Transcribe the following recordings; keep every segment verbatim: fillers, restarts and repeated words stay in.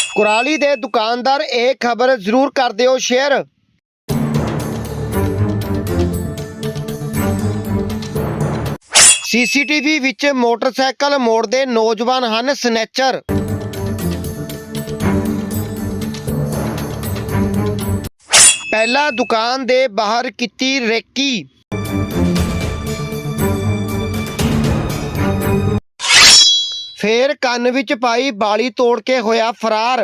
ਕੁਰਾਲੀ ਦੇ ਦੁਕਾਨਦਾਰ ਇਹ ਖਬਰ ਜ਼ਰੂਰ ਕਰ ਦਿਓ ਸ਼ੇਅਰ। ਸੀਸੀਟੀਵੀ ਵਿੱਚ ਮੋਟਰਸਾਈਕਲ ਮੋੜਦੇ ਨੌਜਵਾਨ ਹਨ ਸਨੈਚਰ। ਪਹਿਲਾਂ ਦੁਕਾਨ ਦੇ ਬਾਹਰ ਕੀਤੀ ਰੇਕੀ। ਫੇਰ ਕੰਨ ਵਿੱਚ ਪਾਈ ਬਾਲੀ ਤੋੜ ਕੇ ਹੋਇਆ ਫਰਾਰ।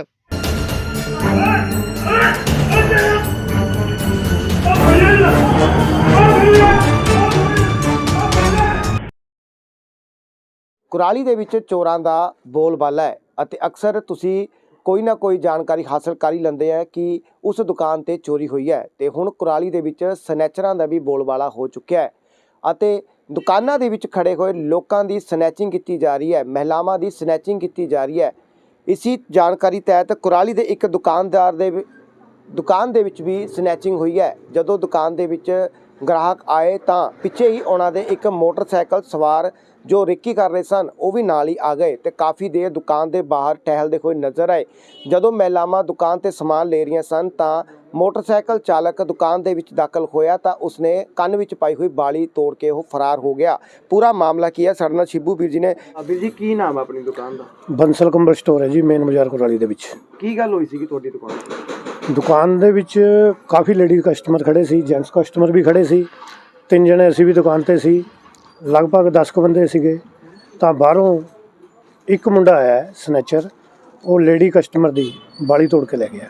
ਕੁਰਾਲੀ ਦੇ ਵਿੱਚ ਚੋਰਾਂ ਦਾ ਬੋਲਬਾਲਾ ਹੈ ਅਤੇ ਅਕਸਰ ਤੁਸੀਂ ਕੋਈ ਨਾ ਕੋਈ ਜਾਣਕਾਰੀ ਹਾਸਲ ਕਰ ਹੀ ਲੈਂਦੇ ਆ ਕਿ ਉਸ ਦੁਕਾਨ ਤੇ ਚੋਰੀ ਹੋਈ ਹੈ। ਤੇ ਹੁਣ ਕੁਰਾਲੀ ਦੇ ਵਿੱਚ ਸਨੈਚਰਾਂ ਦਾ ਵੀ ਬੋਲਬਾਲਾ ਹੋ ਚੁੱਕਿਆ ਹੈ ਅਤੇ ਦੁਕਾਨਾਂ ਦੇ ਵਿੱਚ ਖੜੇ ਹੋਏ ਲੋਕਾਂ ਦੀ ਸਨੈਚਿੰਗ ਕੀਤੀ ਜਾ ਰਹੀ ਹੈ, ਮਹਿਲਾਵਾਂ ਦੀ ਸਨੈਚਿੰਗ ਕੀਤੀ ਜਾ ਰਹੀ ਹੈ। ਇਸੀ ਜਾਣਕਾਰੀ ਤਹਿਤ ਕੁਰਾਲੀ ਦੇ ਇੱਕ ਦੁਕਾਨਦਾਰ ਦੇ ਦੁਕਾਨ ਦੇ ਵਿੱਚ ਵੀ ਸਨੈਚਿੰਗ ਹੋਈ ਹੈ। ਜਦੋਂ ਦੁਕਾਨ ਦੇ ਵਿੱਚ ਗ੍ਰਾਹਕ ਆਏ ਤਾਂ ਪਿੱਛੇ ਹੀ ਉਹਨਾਂ ਦੇ ਇੱਕ ਮੋਟਰਸਾਈਕਲ ਸਵਾਰ ਜੋ ਰੇਕੀ ਕਰ ਰਹੇ ਸਨ ਉਹ ਵੀ ਨਾਲ ਹੀ ਆ ਗਏ ਤੇ ਕਾਫੀ ਦੇਰ ਦੁਕਾਨ ਦੇ ਬਾਹਰ ਟਹਿਲਦੇ ਹੋਏ ਨਜ਼ਰ ਆਏ। ਜਦੋਂ ਮਹਿਲਾਵਾਂ ਦੁਕਾਨ ਤੇ ਸਮਾਨ ਲੈ ਰਹੀਆਂ ਸਨ ਤਾਂ ਮੋਟਰਸਾਈਕਲ ਚਾਲਕ ਦੁਕਾਨ ਦੇ ਵਿੱਚ ਦਾਖਲ ਹੋਇਆ ਤਾਂ ਉਸਨੇ ਕੰਨ ਵਿੱਚ ਪਾਈ ਹੋਈ ਬਾਲੀ ਤੋੜ ਕੇ ਉਹ ਫਰਾਰ ਹੋ ਗਿਆ। ਪੂਰਾ ਮਾਮਲਾ ਕੀ ਹੈ, ਸਾਡੇ ਨਾਲ ਸ਼ਿਬੂ ਵੀਰ ਜੀ ਨੇ। ਵੀਰ ਜੀ, ਕੀ ਨਾਮ ਹੈ ਆਪਣੀ ਦੁਕਾਨ ਦਾ? ਬੰਸਲ ਕੰਬਲ ਸਟੋਰ ਹੈ ਜੀ, ਮੇਨ ਬਾਜ਼ਾਰ ਕੁਰਾਲੀ ਦੇ ਵਿੱਚ। ਕੀ ਗੱਲ ਹੋਈ ਸੀ ਤੁਹਾਡੀ ਦੁਕਾਨ ਤੇ? ਦੁਕਾਨ ਦੇ ਵਿੱਚ ਕਾਫੀ ਲੇਡੀ ਕਸਟਮਰ ਖੜੇ ਸੀ, ਜੈਂਟਸ ਕਸਟਮਰ ਵੀ ਖੜੇ ਸੀ। ਤਿੰਨ ਜਣੇ ਅਸੀਂ ਵੀ ਦੁਕਾਨ ਤੇ ਸੀ, ਲਗਭਗ ਦਸ ਕੁ ਬੰਦੇ ਸੀਗੇ। ਤਾਂ ਬਾਹਰੋਂ ਇੱਕ ਮੁੰਡਾ ਆਇਆ ਸਨੈਚਰ, ਉਹ ਲੇਡੀ ਕਸਟਮਰ ਦੀ ਬਾਲੀ ਤੋੜ ਕੇ ਲੈ ਗਿਆ।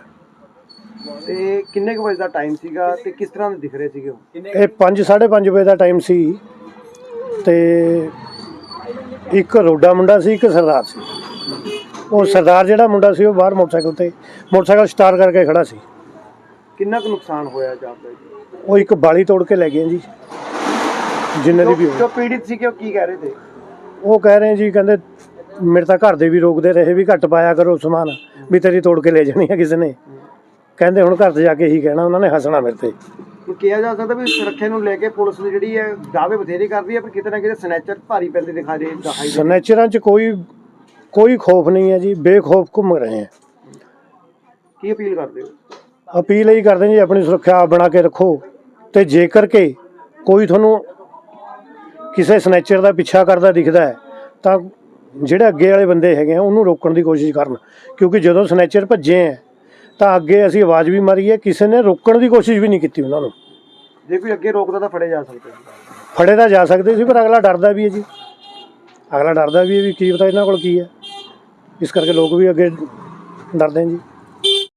ਤੇ ਕਿੰਨੇ ਕੁ ਵਜੇ ਦਾ ਟਾਈਮ ਸੀਗਾ ਤੇ ਕਿਸ ਤਰ੍ਹਾਂ ਦੇ ਦਿਖ ਰਹੇ ਸੀਗੇ ਉਹ? ਇਹ ਪੰਜ ਸਾਢੇ ਪੰਜ ਵਜੇ ਦਾ ਟਾਈਮ ਸੀ ਤੇ ਇੱਕ ਰੋਡਾ ਮੁੰਡਾ ਸੀ, ਇੱਕ ਸਰਦਾਰ ਸੀ। ਉਹ ਸਰਦਾਰ ਜਿਹੜਾ ਮੁੰਡਾ ਸੀ ਉਹ ਬਾਹਰ ਮੋਟਰਸਾਈਕਲ ਤੇ ਮੋਟਰਸਾਈਕਲ ਸਟਾਰਟ ਕਰਕੇ ਖੜਾ ਸੀ। ਕਿੰਨਾ ਕੁ ਨੁਕਸਾਨ ਹੋਇਆ ਜਾਪਦਾ ਜੀ? ਉਹ ਇੱਕ ਬਾਲੀ ਤੋੜ ਕੇ ਲੈ ਗਏ ਜੀ। ਜਿੰਨੇ ਦੀ ਵੀ ਜੋ ਪੀੜਿਤ ਸੀ ਕਿ ਉਹ ਕੀ ਕਹਿ ਰਹੇ ਤੇ? ਉਹ ਕਹਿ ਰਹੇ ਜੀ, ਕਹਿੰਦੇ ਮੇਰੇ ਤਾਂ ਘਰ ਦੇ ਵੀ ਰੋਕਦੇ ਰਹੇ ਵੀ ਘੱਟ ਪਾਇਆ ਕਰੋ ਸਮਾਨ, ਵੀ ਤੇਰੀ ਤੋੜ ਕੇ ਲੈ ਜਾਣੀ ਹੈ ਕਿਸੇ ਨੇ। ਕਹਿੰਦੇ ਹੁਣ ਘਰ 'ਚ ਜਾ ਕੇ ਹੀ ਕਹਿਣਾ, ਉਹਨਾਂ ਨੇ ਹੱਸਣਾ ਮੇਰੇ ਤੇ। ਕਿਹਾ ਜਾ ਸਕਦਾ ਵੀ ਸੁਰੱਖਿਆ ਨੂੰ ਲੈ ਕੇ ਪੁਲਿਸ ਦੀ ਜਿਹੜੀ ਹੈ ਦਾਅਵੇ ਬਥੇਰੇ ਕਰਦੀ ਹੈ, ਪਰ ਕਿਤੇ ਨਾ ਕਿਤੇ ਸਨੈਚਰ ਭਾਰੀ ਪੈਂਦੇ ਦਿਖਾ ਰਹੇ ਦਿਖਾਈ ਦੇ। ਸਨੈਚਰਾਂ 'ਚ ਕੋਈ ਕੋਈ ਖੌਫ ਨਹੀਂ ਹੈ ਜੀ, ਬੇਖੌਫ ਘੁੰਮ ਰਹੇ ਹੈ। ਕੀ ਅਪੀਲ ਕਰਦੇ ਹੋ? ਅਪੀਲ ਇਹੀ ਕਰਦੇ ਜੀ, ਆਪਣੀ ਸੁਰੱਖਿਆ ਆਪ ਬਣਾ ਕੇ ਰੱਖੋ। ਤੇ ਜੇਕਰ ਕਿ ਕੋਈ ਤੁਹਾਨੂੰ ਕਿਸੇ ਸਨੈਚਰ ਦਾ ਪਿੱਛਾ ਕਰਦਾ ਦਿਖਦਾ ਹੈ ਤਾਂ ਜਿਹੜੇ ਅੱਗੇ ਵਾਲੇ ਬੰਦੇ ਹੈਗੇ ਆ ਉਹਨੂੰ ਰੋਕਣ ਦੀ ਕੋਸ਼ਿਸ਼ ਕਰਨ, ਕਿਉਂਕਿ ਜਦੋਂ ਸਨੈਚਰ ਭੱਜੇ ਹੈ ਤਾਂ ਅੱਗੇ ਅਸੀਂ ਆਵਾਜ਼ ਵੀ ਮਾਰੀ ਹੈ, ਕਿਸੇ ਨੇ ਰੋਕਣ ਦੀ ਕੋਸ਼ਿਸ਼ ਵੀ ਨਹੀਂ ਕੀਤੀ ਉਹਨਾਂ ਨੂੰ। ਜੇ ਕੋਈ ਅੱਗੇ ਰੋਕਦਾ ਤਾਂ ਫੜੇ ਜਾ ਸਕਦੇ ਫੜੇ ਤਾਂ ਜਾ ਸਕਦੇ ਸੀ, ਪਰ ਅਗਲਾ ਡਰਦਾ ਵੀ ਹੈ ਜੀ। ਅਗਲਾ ਡਰਦਾ ਵੀ ਹੈ ਵੀ ਕੀ ਪਤਾ ਇਹਨਾਂ ਕੋਲ ਕੀ ਹੈ, ਇਸ ਕਰਕੇ ਲੋਕ ਵੀ ਅੱਗੇ ਡਰਦੇ ਜੀ।